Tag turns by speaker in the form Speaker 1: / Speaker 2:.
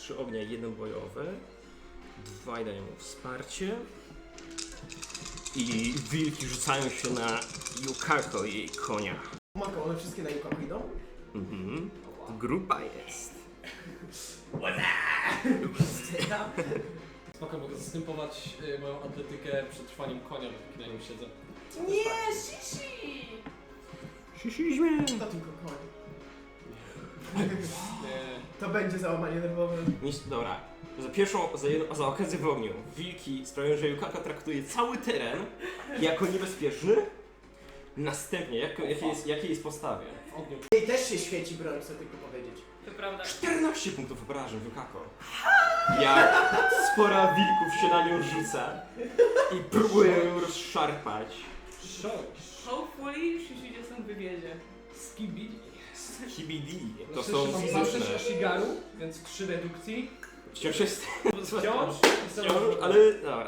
Speaker 1: 3 ognia, 1 bojowy. 2 dają mu wsparcie. I wilki rzucają się na Yukako i jej konia.
Speaker 2: Mako, one wszystkie na Yukako idą?
Speaker 1: Mhm. Grupa jest.
Speaker 3: Spoko, mogę zastępować moją atletykę przetrwaniem konia, bo na nim siedzę.
Speaker 4: Nie, Shishi!
Speaker 1: Sisizmy!
Speaker 2: To tylko koń.
Speaker 3: Nie.
Speaker 2: To będzie załamanie nerwowe.
Speaker 1: Dobra, za okazję w ogniu wilki sprawiają, że Yukako traktuje cały teren jako niebezpieczny. Następnie, jakiej jest postawie?
Speaker 3: W ogniu.
Speaker 2: Jej też się świeci broń, chcę tylko powiedzieć.
Speaker 4: To prawda.
Speaker 1: 14 punktów obrażeń Yukako. Jak spora wilków się na nią rzuca i próbuje ją rozszarpać.
Speaker 4: Hopefully Shishi cię stąd wywiezie.
Speaker 3: Skibidi.
Speaker 1: Hibidi, to
Speaker 3: Znaczy,
Speaker 1: są
Speaker 3: mam
Speaker 1: fizyczne.
Speaker 3: 6 Ashigaru, więc 3 dedukcji.
Speaker 1: Wciąż jest...
Speaker 3: Wciąż.
Speaker 1: Wciąż, ale dobra.